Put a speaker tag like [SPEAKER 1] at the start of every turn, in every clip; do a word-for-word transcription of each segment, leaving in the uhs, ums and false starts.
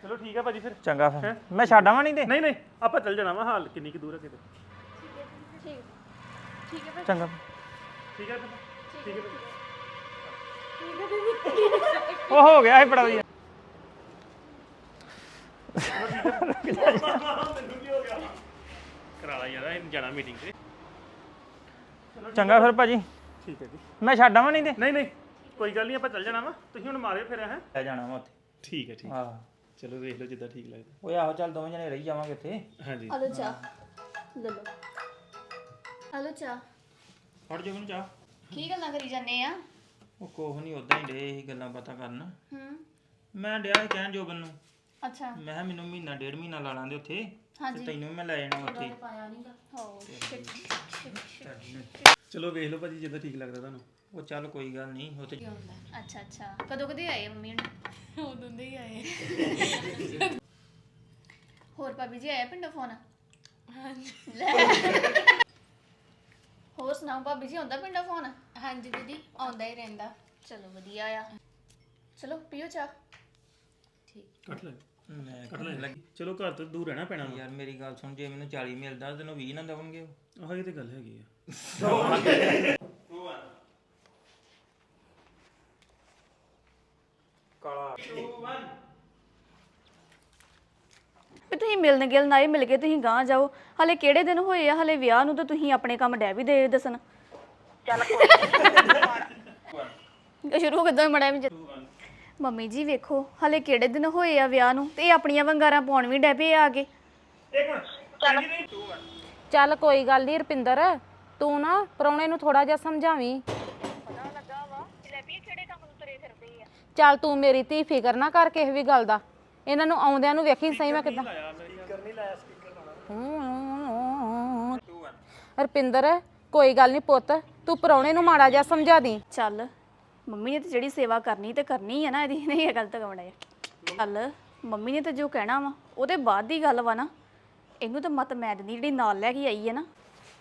[SPEAKER 1] ਚਲੋ ਠੀਕ ਹੈ ਭਾਜੀ ਫਿਰ
[SPEAKER 2] ਚੰਗਾ ਫਿਰ ਮੈਂ ਛੱਡ ਆਵਾਂ ਨਹੀਂ ਤੇ
[SPEAKER 1] ਨਹੀਂ ਨਹੀਂ ਆਪਾਂ ਚੱਲ ਜਾਣਾ ਵਾ ਹਾਲ ਕਿੰਨੀ ਕੁ ਦੂਰ ਹੈ ਕਿਤੇ
[SPEAKER 3] ਠੀਕ ਠੀਕ ਹੈ ਫਿਰ
[SPEAKER 2] ਚੰਗਾ
[SPEAKER 1] ਠੀਕ ਹੈ ਫਿਰ ਠੀਕ ਹੈ ਫਿਰ
[SPEAKER 3] ਠੀਕ ਹੈ ਬੀਬੀ
[SPEAKER 2] ਉਹ ਹੋ ਗਿਆ ਸੀ ਬੜਾ ਵਧੀਆ
[SPEAKER 1] ਮੈਨੂੰ ਕੀ ਹੋ ਗਿਆ ਕਰਾ ਲਾ ਯਾਰ ਇਹ ਜਾਣਾ ਮੀਟਿੰਗ ਤੇ
[SPEAKER 2] ਚੰਗਾ ਫਿਰ ਭਾਜੀ
[SPEAKER 1] ਠੀਕ ਹੈ ਜੀ
[SPEAKER 2] ਮੈਂ ਛੱਡ ਆਵਾਂ ਨਹੀਂ ਤੇ
[SPEAKER 1] ਨਹੀਂ ਨਹੀਂ ਕੋਈ ਗੱਲ ਨਹੀਂ ਆਪਾਂ ਚੱਲ ਜਾਣਾ ਵਾ ਤੁਸੀਂ ਹੁਣ ਮਾਰਿਓ ਫਿਰ ਹੈ
[SPEAKER 2] ਲੈ ਜਾਣਾ ਵਾ ਉੱਥੇ
[SPEAKER 1] ਠੀਕ ਹੈ ਠੀਕ
[SPEAKER 2] ਹਾਂ
[SPEAKER 1] ਚਲੋ ਵੇਖ ਲਓ ਜਿੱਦਾਂ ਠੀਕ ਲੱਗਦਾ
[SPEAKER 2] ਓਏ ਆਹੋ ਚੱਲ ਦੋਵੇਂ ਜਣੇ ਰਹੀ ਜਾਵਾਂਗੇ ਇੱਥੇ
[SPEAKER 1] ਹਾਂਜੀ
[SPEAKER 3] ਹਲੋ ਚਾਹ ਲੈ ਲਓ ਹਲੋ ਚਾਹ
[SPEAKER 2] ਫੜ ਜੋ ਮੈਨੂੰ ਚਾਹ
[SPEAKER 3] ਕੀ ਗੱਲਾਂ ਕਰੀ ਜਾਂਦੇ ਆ
[SPEAKER 2] ਉਹ ਕੋਹ ਨਹੀਂ ਉਦਾਂ ਹੀ ਡੇ ਇਹ ਗੱਲਾਂ ਬਾਤਾਂ ਕਰਨ
[SPEAKER 3] ਹੂੰ
[SPEAKER 2] ਮੈਂ ਡਿਆ ਸੀ ਕਹਿਣ ਜੋਬਨ ਨੂੰ
[SPEAKER 3] ਅੱਛਾ
[SPEAKER 2] ਮੈਂ ਕਿਹਾ ਮੈਨੂੰ ਮਹੀਨਾ ਡੇਢ ਮਹੀਨਾ ਲਾ ਲਾਂਦੇ ਉੱਥੇ
[SPEAKER 3] ਹਾਂਜੀ।
[SPEAKER 2] ਤੇ ਤੈਨੂੰ ਵੀ ਮੈਂ ਲੈ ਜਾਣਾ ਉੱਥੇ
[SPEAKER 3] ਪਾਇਆ ਨਹੀਂਗਾ ਹੋ
[SPEAKER 1] ਚਲੋ ਵੇਖ ਲਓ ਭਾਜੀ ਜਿੱਦਾਂ ਠੀਕ ਲੱਗਦਾ ਤੁਹਾਨੂੰ
[SPEAKER 2] ਉਹ ਚੱਲ ਕੋਈ ਗੱਲ ਨਹੀਂ ਉੱਥੇ
[SPEAKER 3] ਅੱਛਾ ਅੱਛਾ ਕਦੋਂ ਕਦੇ ਆਏ ਮੰਮੀ ਹੁਣ ਉਦੋਂ ਦੇ ਹੀ ਆਏ ਹੋਰ ਭਾਬੀ ਜੀ ਆਇਆ ਪਿੰਡੋਂ ਫੋਨ ਹਾਂਜੀ ਹੋਰ ਸੁਣਾਓ ਭਾਬੀ ਜੀ ਆਉਂਦਾ ਪਿੰਡੋਂ ਫੋਨ ਹਾਂਜੀ ਦੀਦੀ ਆਉਂਦਾ ਹੀ ਰਹਿੰਦਾ ਚਲੋ ਵਧੀਆ ਆ ਚਲੋ ਪੀਓ ਚਾਹ ਠੀਕ
[SPEAKER 1] ਕੱਟ ਲੈ
[SPEAKER 2] ਮੈਂ
[SPEAKER 1] ਕੱਟ ਲੈ ਚਲੋ ਘਰ ਤੋਂ ਦੂਰ ਰਹਿਣਾ ਪੈਣਾ
[SPEAKER 2] ਯਾਰ ਮੇਰੀ ਗੱਲ ਸੁਣ ਜੇ ਮੈਨੂੰ ਚਾਲੀ ਮਿਲਦਾ ਤੈਨੂੰ ਵੀਹ ਨਾ ਦੇਵਣਗੇ ਉਹ
[SPEAKER 1] ਆਹ ਇਹ ਤੇ ਗੱਲ ਹੈਗੀ ਆ
[SPEAKER 2] ਕਾਲਾ
[SPEAKER 4] ਵੀ ਤੁਸੀਂ ਮਿਲਣ ਗਿਲ ਨਾ ਹੀ ਮਿਲ ਕੇ ਤੁਸੀਂ ਗਾਂ ਜਾਓ ਹਲੇ ਕਿਹੜੇ ਦਿਨ ਹੋਏ ਆ ਹਲੇ ਵਿਆਹ ਨੂੰ ਤਾਂ ਤੁਸੀਂ ਆਪਣੇ ਕੰਮ ਡੈ ਵੀ ਦੇ ਦੱਸਣ ਚੱਲ ਕੋਈ ਸ਼ੁਰੂ ਕਿਦਾਂ ਮੜਿਆ ਵੀ ਮੰਮੀ ਜੀ ਵੇਖੋ ਹਲੇ ਕਿਹੜੇ ਦਿਨ ਹੋਏ ਆ ਵਿਆਹ ਨੂੰ ਤੇ ਇਹ ਆਪਣੀਆਂ ਵੰਗਾਰਾਂ ਪਾਉਣ ਵੀ ਡੈ ਪਏ ਆ ਕੇ
[SPEAKER 5] ਚੱਲ ਕੋਈ ਗੱਲ ਨਹੀਂ ਰਪਿੰਦਰ ਤੂੰ ਨਾ ਪ੍ਰਾਹੁਣੇ ਨੂੰ ਥੋੜਾ ਜਿਹਾ ਸਮਝਾਵੀਂ ਚੱਲ ਤੂੰ ਮੇਰੀ ਧੀ ਫਿਕਰ ਨਾ ਕਰ ਕਿਸੇ ਵੀ ਗੱਲ ਦਾ ਇਹਨਾਂ ਨੂੰ ਆਉਂਦਿਆਂ ਨੂੰ ਵੇਖੀ ਸਹੀ ਮੈਂ ਕਿਦਾਂ ਰਪਿੰਦਰ ਕੋਈ ਗੱਲ ਨਹੀਂ ਪੁੱਤ ਤੂੰ ਪ੍ਰਾਹੁਣੇ ਨੂੰ ਮਾੜਾ ਜਿਹਾ ਸਮਝਾ ਦੀ
[SPEAKER 4] ਚੱਲ ਮੰਮੀ ਨੇ ਤੇ ਜਿਹੜੀ ਸੇਵਾ ਕਰਨੀ ਤੇ ਕਰਨੀ ਆ ਨਾ ਇਹਦੀ ਨਹੀਂ ਇਹ ਗਲਤ ਕਮੜਾ ਚੱਲ ਮੰਮੀ ਨੇ ਤੇ ਜੋ ਕਹਿਣਾ ਵਾ ਉਹਦੇ ਬਾਅਦ ਦੀ ਗੱਲ ਵਾ ਨਾ ਇਹਨੂੰ ਤਾਂ ਮਤ ਮੈਂ ਦਿੰਦੀ ਜਿਹੜੀ ਨਾਲ ਲੈ ਕੇ ਆਈ ਹੈ ਨਾ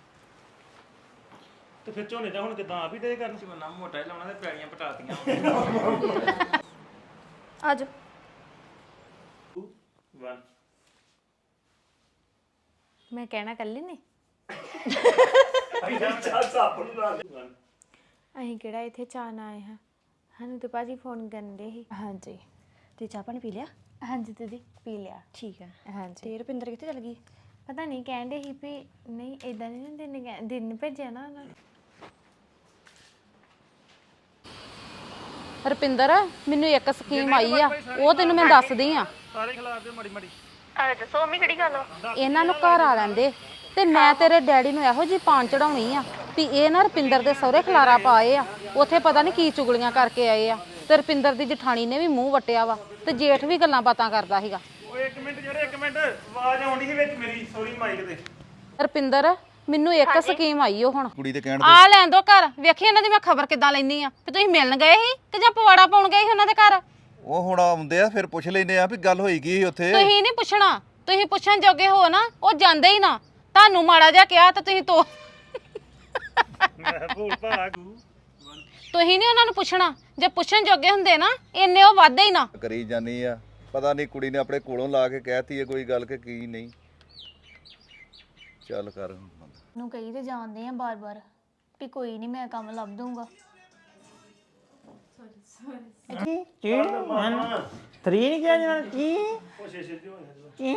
[SPEAKER 1] ਤੇ ਫਿਰ ਝੋਨੇ ਦਾ ਹੁਣ ਕਿਦਾਂ ਆ ਵੀ ਡੇ ਕਰਨ
[SPEAKER 2] ਝੋਨਾ ਮੋਟਾ ਹੀ ਲਾਉਣਾ ਤੇ ਪੈੜੀਆਂ ਪਟਾਤੀਆਂ
[SPEAKER 4] ਆਜੋ
[SPEAKER 1] ਵਨ
[SPEAKER 5] ਮੈਂ ਕਹਿਣਾ ਕੱਲੀ ਨੇ ਅਸੀਂ ਕਿਹੜਾ ਇੱਥੇ ਚਾਹ ਨਾ ਆਏ ਹਾਂ ਸਾਨੂੰ ਤੇ ਭਾਜੀ ਫੋਨ ਕਰਨ ਦੇ ਸੀ ਹਾਂਜੀ
[SPEAKER 4] ਤੇ ਚਾਹ ਪਾਣੀ ਪੀ ਲਿਆ
[SPEAKER 5] ਹਾਂਜੀ ਦੀਦੀ ਪੀ ਲਿਆ
[SPEAKER 4] ਠੀਕ ਹੈ
[SPEAKER 5] ਹਾਂਜੀ
[SPEAKER 4] ਤੇ ਰੁਪਿੰਦਰ ਕਿੱਥੇ ਚਲ ਗਈ
[SPEAKER 5] ਪਤਾ ਨਹੀਂ ਕਹਿੰਦੇ ਸੀ ਵੀ ਨਹੀਂ ਇਦਾਂ ਨਹੀਂ ਨਾ ਦਿਨ ਕਹਿ- ਦਿਨ ਭੇਜਿਆ ਨਾ ਉਹਨਾਂ ਨੇ ਰੁਪਿੰਦਰ ਮੈਨੂੰ ਇੱਕ ਸਕੀਮ ਆਈ ਆ ਉਹ ਤੈਨੂੰ ਮੈਂ ਦੱਸਦੀ ਆ
[SPEAKER 1] ਸਾਰੇ ਖਿਲਾਫ ਦੇ ਮੜੀ ਮੜੀ
[SPEAKER 4] ਦੱਸੋ ਮੰਮੀ ਕਿਹੜੀ ਗੱਲ ਆ
[SPEAKER 5] ਇਹਨਾਂ ਨੂੰ ਘਰ ਆ ਲੈਂਦੇ ਤੇ ਮੈਂ ਤੇਰੇ ਡੈਡੀ ਨੂੰ ਇਹੋ ਜੀ ਪਾਣ ਚੜਾਉਣੀ ਆ ਵੀ ਇਹ ਨਾ ਰੁਪਿੰਦਰ ਦੇ ਸਹੁਰੇ ਖਲਾਰਾ ਪਾਏ ਆ ਉੱਥੇ ਪਤਾ ਨਹੀਂ ਕੀ ਚੁਗਲੀਆਂ ਕਰਕੇ ਆਏ ਆ ਤੇ ਰੁਪਿੰਦਰ ਦੀ ਜਠਾਣੀ ਨੇ ਵੀ ਮੂੰਹ ਵਟਿਆ ਵਾ ਤੇ ਜੇਠ ਵੀ ਗੱਲਾਂ ਬਾਤਾਂ ਕਰਦਾ ਸੀਗਾ
[SPEAKER 1] ਓਏ ਇੱਕ ਮਿੰਟ ਜਿਹੜੇ ਇੱਕ ਮਿੰਟ ਆਵਾਜ਼ ਆਉਂਦੀ ਸੀ ਵਿੱਚ ਮੇਰੀ ਸੌਰੀ ਮਾਈਕ ਤੇ
[SPEAKER 5] ਰੁਪਿੰਦਰ ਮੈਨੂੰ ਇੱਕ ਸਕੀਮ ਆਈ ਉਹ ਹੁਣ
[SPEAKER 6] ਕੁੜੀ ਦੇ ਕਹਿਣ
[SPEAKER 5] ਆ ਲੈਣ ਦੋ ਘਰ ਵੇਖੀ ਇਹਨਾਂ ਦੀ ਮੈਂ ਖਬਰ ਕਿੱਦਾਂ ਲੈਣੀ ਆ ਤੇ ਤੁਸੀਂ ਮਿਲਣ ਗਏ ਸੀ ਕਿ ਜਾਂ ਪਵਾੜਾ ਪਾਉਣ ਗਏ ਸੀ ਉਹਨਾਂ ਦੇ ਘਰ
[SPEAKER 6] ਉਹ ਹੁਣ ਆਉਂਦੇ ਆ ਫਿਰ ਪੁੱਛ ਲੈਨੇ ਆ ਵੀ ਗੱਲ ਹੋਈ ਕੀ ਸੀ ਉੱਥੇ
[SPEAKER 5] ਤੁਸੀਂ ਨਹੀਂ ਪੁੱਛਣਾ ਤੁਸੀਂ ਪੁੱਛਣ ਜੋਗੇ ਹੋ ਨਾ ਉਹ ਜਾਂਦੇ ਹੀ ਨਾ ਤੁਹਾਨੂੰ ਮਾੜਾ ਜਿਹਾ ਕਿਹਾ ਤਾਂ ਤੁਸੀਂ ਤੋ
[SPEAKER 1] ਮੈਂ ਭੂਲ ਭਾਲਾ ਗੂ
[SPEAKER 5] ਤੁਸੀਂ ਨਹੀਂ ਉਹਨਾਂ ਨੂੰ ਪੁੱਛਣਾ ਜੇ ਪੁੱਛਣ ਜੋਗੇ ਹੁੰਦੇ ਨਾ ਇੰਨੇ ਉਹ ਵਾਧੇ ਹੀ ਨਾ
[SPEAKER 6] ਕਰੀ ਜਾਨੀ ਆ ਪਤਾ ਨਹੀਂ ਕੁੜੀ ਨੇ ਆਪਣੇ ਕੋਲੋਂ ਲਾ ਕੇ ਕਹਿਤੀ ਹੈ ਕੋਈ ਗੱਲ ਕਿ ਕੀ ਨਹੀਂ ਚੱਲ ਕਰ
[SPEAKER 4] ਨੂੰ ਕਹੀ ਤੇ ਜਾਣਦੇ ਆ ਬਾਰ-ਬਾਰ ਵੀ ਕੋਈ ਨਹੀਂ ਮੈਂ ਕੰਮ ਲੱਭ ਦੂੰਗਾ
[SPEAKER 2] ਕੀ ਮਨ ਤਰੀ ਨਹੀਂ ਕਿਹਾ ਜਾਣਾ ਕੀ
[SPEAKER 1] ਉਹ ਸ਼ੇਸ਼ੇ ਦੀ ਹੋਣੀ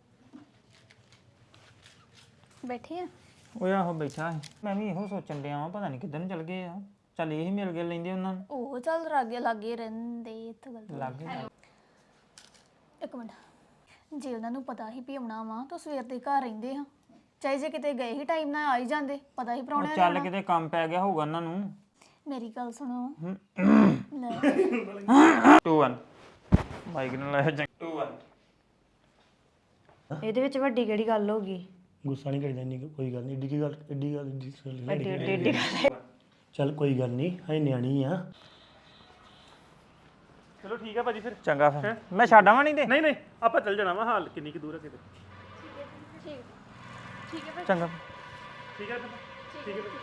[SPEAKER 4] ਬੈਠੇ ਆ
[SPEAKER 2] ਓਏ ਆਹੋ ਬੈਠਾ ਸੀ ਮੈਂ ਵੀ ਇਹੋ ਸੋਚਣ ਡਿਆ ਵਾਂ ਪਤਾ ਨਹੀਂ ਕਿੱਧਰ ਨੂੰ ਚਲ ਗਏ ਆ ਚੱਲ ਇਹ ਹੀ ਮਿਲ ਗਏ ਲੈਂਦੇ ਉਹਨਾਂ ਨੂੰ
[SPEAKER 4] ਉਹ ਚੱਲ ਲਾਗੇ ਲਾਗੇ ਰਹਿੰਦੇ ਇੱਥੇ ਗੱਲ
[SPEAKER 2] ਲੱਗ ਗਏ
[SPEAKER 4] ਇੱਕ ਮਿੰਟ ਜੇ ਉਹਨਾਂ ਨੂੰ ਪਤਾ ਹੀ ਵੀ ਆਉਣਾ ਵਾ ਤਾਂ ਸਵੇਰ ਦੇ ਘਰ ਰਹਿੰਦੇ ਆ ਚਾਹੇ ਜੇ ਕਿਤੇ ਗਏ ਹੀ ਟਾਈਮ ਨਾਲ ਆ ਹੀ ਜਾਂਦੇ ਪਤਾ ਹੀ
[SPEAKER 2] ਉਹ
[SPEAKER 4] ਪ੍ਰਾਹੁਣਿਆਂ
[SPEAKER 2] ਚੱਲ
[SPEAKER 4] ਦਾ
[SPEAKER 2] ਕਿਤੇ ਕੰਮ ਪੈ ਗਿਆ ਹੋਊਗਾ ਉਹਨਾਂ ਨੂੰ
[SPEAKER 4] ਮੇਰੀ ਗੱਲ ਸੁਣੋ ਲੈ
[SPEAKER 2] ਟੂ ਵਨ ਮਾਈਕ ਨੂੰ ਲਾਇਆ ਜੰਗ ਟੂ ਵਨ
[SPEAKER 7] ਇਹਦੇ ਵਿੱਚ ਵੱਡੀ ਕਿਹੜੀ ਗੱਲ ਹੋ ਗਈ
[SPEAKER 1] ਗੁੱਸਾ ਨਹੀਂ ਕਰੀਦਾ ਨਹੀਂ ਕੋਈ ਗੱਲ ਨਹੀਂ ਏਡੀ ਕੀ ਗੱਲ ਏਡੀ ਗੱਲ ਏਡੀ ਚੱਲ ਕੋਈ ਗੱਲ ਨਹੀਂ ਹਾਏ ਨਿਆਣੀ ਆ ਚਲੋ ਠੀਕ ਹੈ ਭਾਜੀ ਫਿਰ
[SPEAKER 2] ਚੰਗਾ ਫਿਰ ਮੈਂ ਛੱਡ ਆਵਾਂ ਨਹੀਂ ਤੇ
[SPEAKER 1] ਨਹੀਂ ਨਹੀਂ ਆਪਾਂ ਚੱਲ ਜਾਣਾ ਵਾ ਹਾਲ ਕਿੰਨੀ ਕੁ ਦੂਰ ਹੈ ਕਿਤੇ
[SPEAKER 2] ਚੰਗਾ
[SPEAKER 1] ਠੀਕ ਹੈ ਫਿਰ ਠੀਕ ਹੈ ਫਿਰ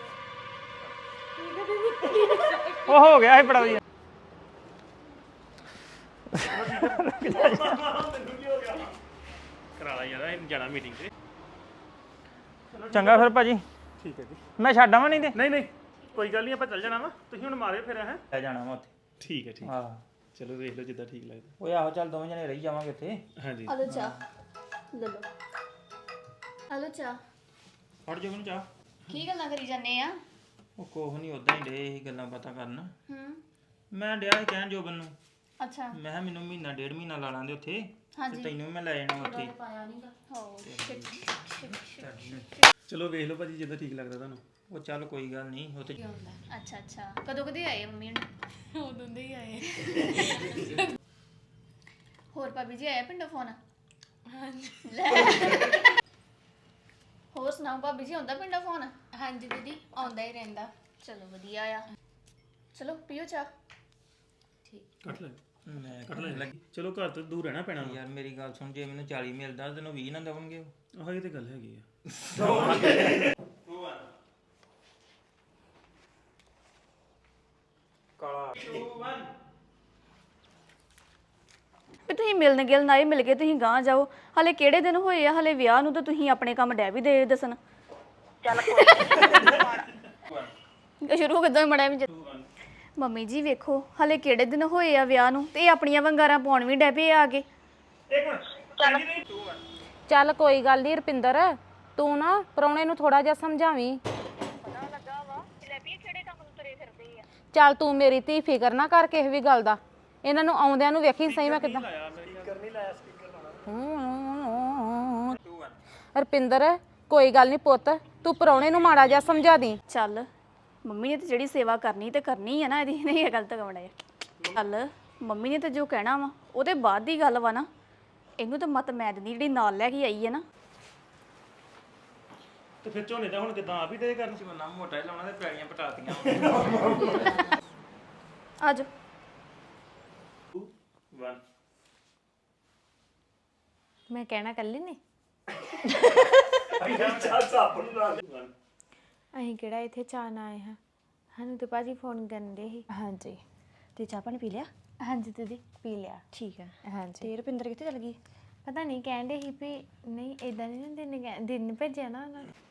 [SPEAKER 2] ਉਹ ਹੋ ਗਿਆ ਸੀ ਬੜਾ ਵਧੀਆ
[SPEAKER 1] ਕਰਾ ਲਾ ਯਾਰ ਜਾਣਾ ਮੀਟਿੰਗ ਤੇ
[SPEAKER 2] ਚੰਗਾ ਫਿਰ ਭਾਜੀ
[SPEAKER 1] ਠੀਕ ਹੈ ਜੀ
[SPEAKER 2] ਮੈਂ ਛੱਡ ਆਵਾਂ ਨਹੀਂ ਤੇ
[SPEAKER 1] ਨਹੀਂ ਨਹੀਂ ਕੋਈ ਗੱਲ ਨਹੀਂ ਆਪਾਂ ਚੱਲ ਜਾਣਾ ਵਾ ਤੁਸੀਂ ਹੁਣ ਮਾਰੇ ਫਿਰ ਹੈ
[SPEAKER 2] ਲੈ ਜਾਣਾ ਮੈਂ ਉੱਥੇ
[SPEAKER 1] ਠੀਕ ਹੈ ਠੀਕ
[SPEAKER 2] ਹਾਂ
[SPEAKER 1] ਚਲੋ ਵੇਖ ਲਓ ਜਿੱਦਾਂ ਠੀਕ ਲੱਗਦਾ
[SPEAKER 2] ਓਏ ਆਹੋ ਚੱਲ ਦੋਵੇਂ ਜਣੇ ਰਹੀ ਜਾਵਾਂਗੇ ਇੱਥੇ
[SPEAKER 1] ਹਾਂਜੀ
[SPEAKER 3] ਹਲੋ ਚਾਹ ਲੈ ਲਓ ਹਲੋ ਚਾਹ
[SPEAKER 2] ਫੜ ਜੋ ਮੈਨੂੰ ਚਾਹ
[SPEAKER 3] ਕੀ ਗੱਲਾਂ ਕਰੀ ਜਾਂਦੇ ਆ
[SPEAKER 2] ਉਹ ਕੋਹ ਨਹੀਂ ਉਦਾਂ ਹੀ ਡੇ ਇਹ ਗੱਲਾਂ ਬਾਤਾਂ ਕਰਨ
[SPEAKER 3] ਹੂੰ
[SPEAKER 2] ਮੈਂ ਡਿਆ ਸੀ ਕਹਿਣ ਜੋਬਨ ਨੂੰ
[SPEAKER 3] ਅੱਛਾ
[SPEAKER 2] ਮੈਂ ਕਿਹਾ ਮੈਨੂੰ ਮਹੀਨਾ ਡੇਢ ਮਹੀਨਾ ਲਾ ਲਾਂਦੇ ਉੱਥੇ
[SPEAKER 3] ਹਾਂਜੀ।
[SPEAKER 2] ਤੇ ਤੈਨੂੰ ਵੀ ਮੈਂ ਲੈ ਜਾਣਾ ਉੱਥੇ
[SPEAKER 3] ਪਾਇਆ ਨਹੀਂਗਾ ਹੋ
[SPEAKER 1] ਚਲੋ ਵੇਖ ਲਓ ਭਾਜੀ ਜਿੱਦਾਂ ਠੀਕ ਲੱਗਦਾ ਤੁਹਾਨੂੰ
[SPEAKER 2] ਉਹ ਚੱਲ ਕੋਈ ਗੱਲ ਨਹੀਂ ਉੱਥੇ
[SPEAKER 3] ਅੱਛਾ ਅੱਛਾ ਕਦੋਂ ਕਦੇ ਆਏ ਮੰਮੀ ਹੁਣ ਉਦੋਂ ਦੇ ਹੀ ਆਏ ਹੋਰ ਭਾਬੀ ਜੀ ਆਇਆ ਪਿੰਡੋਂ ਫੋਨ ਹਾਂਜੀ ਲੈ ਹੋਰ ਸੁਣਾਓ ਭਾਬੀ ਜੀ ਆਉਂਦਾ ਪਿੰਡੋਂ ਫੋਨ ਹਾਂਜੀ ਦੀਦੀ ਆਉਂਦਾ ਹੀ ਰਹਿੰਦਾ ਚਲੋ ਵਧੀਆ ਆ ਚਲੋ ਪੀਓ ਚਾਹ
[SPEAKER 1] ਕੱਟ ਲੈ
[SPEAKER 2] ਮੈਂ
[SPEAKER 1] ਕੱਟ ਲੈ ਲੱਗੀ ਚਲੋ ਘਰ ਤੋਂ ਦੂਰ ਰਹਿਣਾ ਪੈਣਾ
[SPEAKER 2] ਯਾਰ ਮੇਰੀ ਗੱਲ ਸੁਣ ਜੇ ਮੈਨੂੰ ਚਾਲੀ ਮਿਲਦਾ ਤੈਨੂੰ ਵੀਹ ਨਾ ਦੇਵਣਗੇ ਉਹ।
[SPEAKER 1] ਆਹ ਇਹ ਤੇ ਗੱਲ ਹੈਗੀ ਆ
[SPEAKER 4] ਵੀ ਤੁਸੀਂ ਮਿਲਣ ਗਿਲ ਨਾ ਹੀ ਮਿਲ ਕੇ ਤੁਸੀਂ ਗਾਂ ਜਾਓ ਹਲੇ ਕਿਹੜੇ ਦਿਨ ਹੋਏ ਆ ਹਲੇ ਵਿਆਹ ਨੂੰ ਤਾਂ ਤੁਸੀਂ ਆਪਣੇ ਕੰਮ ਡੈ ਵੀ ਦੇ ਦੱਸਣ ਚੱਲ ਕੋਈ ਸ਼ੁਰੂ ਕਿਦਾਂ ਮੜਿਆ ਵੀ ਮੰਮੀ ਜੀ ਵੇਖੋ ਹਲੇ ਕਿਹੜੇ ਦਿਨ ਹੋਏ ਆ ਵਿਆਹ ਨੂੰ ਤੇ ਇਹ ਆਪਣੀਆਂ ਵੰਗਾਰਾਂ ਪਾਉਣ ਵੀ ਡੈ ਪਏ ਆ ਕੇ
[SPEAKER 5] ਚੱਲ ਕੋਈ ਗੱਲ ਨਹੀਂ ਰੁਪਿੰਦਰ ਤੂੰ ਨਾ ਪ੍ਰਾਹੁਣੇ ਨੂੰ ਥੋੜਾ ਜਿਹਾ ਸਮਝਾਵੀਂ ਚੱਲ ਤੂੰ ਮੇਰੀ ਧੀ ਫਿਕਰ ਨਾ ਕਰ ਕਿਸੇ ਵੀ ਗੱਲ ਦਾ ਇਹਨਾਂ ਨੂੰ ਆਉਂਦਿਆਂ ਨੂੰ ਵੇਖੀ ਸਹੀ ਮੈਂ ਕਿਦਾਂ ਰੁਪਿੰਦਰ ਕੋਈ ਗੱਲ ਨਹੀਂ ਪੁੱਤ ਤੂੰ ਪ੍ਰਾਹੁਣੇ ਨੂੰ ਮਾੜਾ ਜਿਹਾ ਸਮਝਾ ਦੀ
[SPEAKER 4] ਚੱਲ ਮੰਮੀ ਨੇ ਤੇ ਜਿਹੜੀ ਸੇਵਾ ਕਰਨੀ ਤੇ ਕਰਨੀ ਆ ਨਾ ਇਹਦੀ ਨਹੀਂ ਇਹ ਗਲਤ ਕਮੜਾ ਚੱਲ ਮੰਮੀ ਨੇ ਤੇ ਜੋ ਕਹਿਣਾ ਵਾ ਉਹਦੇ ਬਾਅਦ ਦੀ ਗੱਲ ਵਾ ਨਾ ਇਹਨੂੰ ਤਾਂ ਮਤ ਮੈਂ ਦਿੰਦੀ ਜਿਹੜੀ ਨਾਲ ਲੈ ਕੇ ਆਈ ਹੈ ਨਾ
[SPEAKER 1] ਤੇ ਫਿਰ ਝੋਨੇ ਦਾ ਹੁਣ ਕਿਦਾਂ ਆਪ ਹੀ ਡੇ ਕਰਨ
[SPEAKER 2] ਬੰਨਾ ਮੋਟਾ ਹੀ ਲਾਉਣਾ ਤੇ ਪੈੜੀਆਂ ਪਟਾਤੀਆਂ
[SPEAKER 4] ਆ ਜਾ
[SPEAKER 1] ਵਨ
[SPEAKER 7] ਮੈਂ ਕਹਿਣਾ ਕੱਲੀ ਨੇ ਅਸੀਂ ਕਿਹੜਾ ਇੱਥੇ ਚਾਹ ਨਾ ਆਏ ਹਾਂ ਸਾਨੂੰ ਤੇ ਭਾਜੀ ਫੋਨ ਕਰਨ ਦੇ ਸੀ ਹਾਂਜੀ
[SPEAKER 8] ਤੇ ਚਾਹ ਪਾਣੀ ਪੀ ਲਿਆ
[SPEAKER 7] ਹਾਂਜੀ ਦੀਦੀ
[SPEAKER 8] ਪੀ ਲਿਆ ਠੀਕ ਹੈ
[SPEAKER 7] ਹਾਂਜੀ
[SPEAKER 8] ਤੇ ਰੁਪਿੰਦਰ ਕਿੱਥੇ ਚਲ ਗਈ
[SPEAKER 7] ਪਤਾ ਨਹੀਂ ਕਹਿੰਦੇ ਸੀ ਵੀ ਨਹੀਂ ਇਦਾਂ ਨਹੀਂ ਨਾ ਦਿਨ ਕਹਿ- ਦਿਨ ਭੇਜਿਆ ਨਾ ਉਹਨਾਂ ਨੇ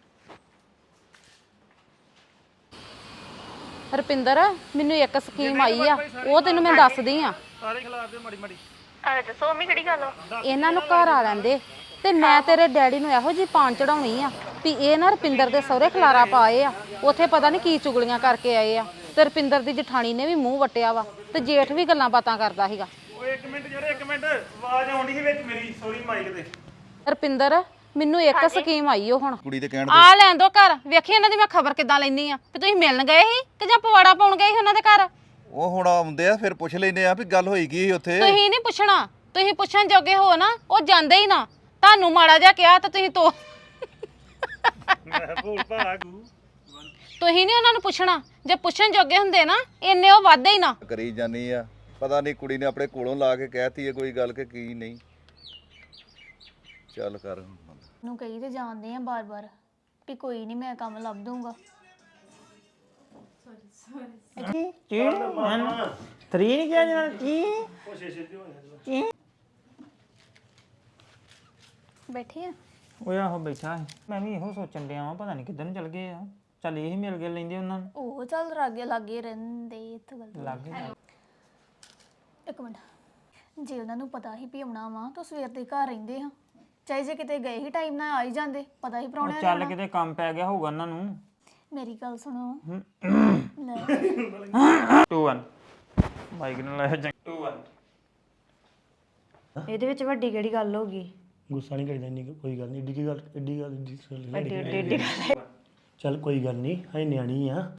[SPEAKER 5] ਰੁਪਿੰਦਰ ਮੈਨੂੰ ਇੱਕ ਸਕੀਮ ਆਈ ਆ ਉਹ ਤੈਨੂੰ ਮੈਂ ਦੱਸਦੀ ਆ
[SPEAKER 1] ਸਾਰੇ ਖਿਲਾਫ ਦੇ ਮਾੜੀ ਮਾੜੀ
[SPEAKER 4] ਆ ਦੱਸੋ ਮੰਮੀ ਕਿਹੜੀ ਗੱਲ ਆ
[SPEAKER 5] ਇਹਨਾਂ ਨੂੰ ਘਰ ਆ ਲੈਂਦੇ ਤੇ ਮੈਂ ਤੇਰੇ ਡੈਡੀ ਨੂੰ ਇਹੋ ਜੀ ਪਾਣ ਚੜਾਉਣੀ ਆ ਵੀ ਇਹ ਨਾ ਰੁਪਿੰਦਰ ਦੇ ਸਹੁਰੇ ਖਲਾਰਾ ਪਾਏ ਆ ਉੱਥੇ ਪਤਾ ਨਹੀਂ ਕੀ ਚੁਗਲੀਆਂ ਕਰਕੇ ਆਏ ਆ ਤੇ ਰੁਪਿੰਦਰ ਦੀ ਜਠਾਣੀ ਨੇ ਵੀ ਮੂੰਹ ਵਟਿਆ ਵਾ ਤੇ ਜੇਠ ਵੀ ਗੱਲਾਂ ਬਾਤਾਂ ਕਰਦਾ ਸੀਗਾ
[SPEAKER 1] ਓਏ ਇੱਕ ਮਿੰਟ ਯਾਰ ਇੱਕ ਮਿੰਟ ਆਵਾਜ਼ ਆਉਂਦੀ ਸੀ ਵਿੱਚ ਮੇਰੀ ਸੌਰੀ ਮਾਈਕ ਤੇ
[SPEAKER 5] ਰੁਪਿੰਦਰ ਮੈਨੂੰ ਇੱਕ ਸਕੀਮ ਆਈ ਓ ਹੁਣ
[SPEAKER 6] ਕੁੜੀ ਦੇ ਕਹਿਣ
[SPEAKER 5] ਆ ਲੈਣ ਦੋ ਘਰ ਵੇਖੀ ਇਹਨਾਂ ਦੀ ਮੈਂ ਖਬਰ ਕਿੱਦਾਂ ਲੈਣੀ ਆ ਵੀ ਤੁਸੀਂ ਮਿਲਣ ਗਏ ਸੀ ਕਿ ਜਾਂ ਪਵਾੜਾ ਪਾਉਣ ਗਏ ਸੀ ਉਹਨਾਂ ਦੇ ਘਰ
[SPEAKER 6] ਉਹ ਹੁਣ ਆਉਂਦੇ ਆ ਫਿਰ ਪੁੱਛ ਲੈਨੇ ਆ ਵੀ ਗੱਲ ਹੋਈ ਕੀ ਸੀ ਉੱਥੇ
[SPEAKER 5] ਤੁਸੀਂ ਨਹੀਂ ਪੁੱਛਣਾ ਤੁਸੀਂ ਪੁੱਛਣ ਜੋਗੇ ਹੋ ਨਾ ਉਹ ਜਾਂਦੇ ਹੀ ਨਾ ਤੁਹਾਨੂੰ ਮਾੜਾ ਜਿਹਾ ਕਿਹਾ ਤਾਂ ਤੁਸੀਂ ਤੋ
[SPEAKER 1] ਮੈਂ ਭੂਲ ਭਾਲਾ ਗੂ
[SPEAKER 5] ਤੁਸੀਂ ਨਹੀਂ ਉਹਨਾਂ ਨੂੰ ਪੁੱਛਣਾ ਜੇ ਪੁੱਛਣ ਜੋਗੇ ਹੁੰਦੇ ਨਾ ਇੰਨੇ ਉਹ ਵਾਧੇ ਹੀ ਨਾ
[SPEAKER 6] ਕਰੀ ਜਾਨੀ ਆ ਪਤਾ ਨਹੀਂ ਕੁੜੀ ਨੇ ਆਪਣੇ ਕੋਲੋਂ ਲਾ ਕੇ ਕਹਿਤੀ ਹੈ ਕੋਈ ਗੱਲ ਕਿ ਕੀ ਨਹੀਂ ਚੱਲ ਕਰ
[SPEAKER 3] ਨੂੰ ਕਹੀ ਤੇ ਜਾਣਦੇ ਆ ਬਾਰ-ਬਾਰ ਵੀ ਕੋਈ ਨਹੀਂ ਮੈਂ ਕੰਮ ਲੱਭ ਦੂੰਗਾ
[SPEAKER 2] ਕੀ ਮਨ ਤਰੀ ਨਹੀਂ ਕਿਹਾ ਜਨਾ ਕੀ
[SPEAKER 3] ਬੈਠੇ ਆ
[SPEAKER 2] ਓਏ ਆਹੋ ਬੈਠਾ ਸੀ ਮੈਂ ਵੀ ਇਹੋ ਸੋਚਣ ਡਿਆ ਵਾਂ ਪਤਾ ਨਹੀਂ ਕਿੱਧਰ ਨੂੰ ਚਲ ਗਏ ਆ ਚੱਲ ਇਹ ਮਿਲ ਗਏ ਲੈਂਦੇ ਉਹਨਾਂ ਨੂੰ
[SPEAKER 3] ਉਹ ਚੱਲ ਲਾਗੇ ਲਾਗੇ ਰਹਿੰਦੇ ਇੱਥੇ ਗੱਲ
[SPEAKER 2] ਲੱਗ ਗਏ
[SPEAKER 3] ਇੱਕ ਮਿੰਟ ਜੇ ਉਹਨਾਂ ਨੂੰ ਪਤਾ ਹੀ ਵੀ ਆਉਣਾ ਵਾ ਤਾਂ ਸਵੇਰ ਦੇ ਘਰ ਰਹਿੰਦੇ ਹਾਂ ਚਾਹੇ ਜੇ ਕਿਤੇ ਗਏ ਹੀ ਟਾਈਮ ਨਾਲ ਆ ਹੀ ਜਾਂਦੇ ਪਤਾ ਹੀ
[SPEAKER 2] ਉਹ
[SPEAKER 3] ਪ੍ਰਾਹੁਣਿਆਂ
[SPEAKER 2] ਚੱਲ
[SPEAKER 3] ਦਾ
[SPEAKER 2] ਕਿਤੇ ਕੰਮ ਪੈ ਗਿਆ ਹੋਊਗਾ ਉਹਨਾਂ ਨੂੰ
[SPEAKER 3] ਮੇਰੀ ਗੱਲ ਸੁਣੋ ਲੈ
[SPEAKER 2] ਟੂ ਵਨ ਮਾਈਕ ਨਾਲ ਲਾਇਆ ਜੰਗ ਟੂ ਵਨ
[SPEAKER 7] ਇਹਦੇ ਵਿੱਚ ਵੱਡੀ ਕਿਹੜੀ ਗੱਲ ਹੋ ਗਈ
[SPEAKER 1] ਗੁੱਸਾ ਨਹੀਂ ਕਰੀਦਾ ਇੰਨੀ ਕੋਈ ਗੱਲ ਨਹੀਂ ਏਡੀ ਕੀ ਗੱਲ ਏਡੀ ਗੱਲ ਏਡੀ ਗੱਲ
[SPEAKER 7] ਏਡੀ ਏਡੀ ਏਡੀ
[SPEAKER 1] ਚੱਲ ਕੋਈ ਗੱਲ ਨਹੀਂ ਹੈ ਨਿਆਣੀ ਆ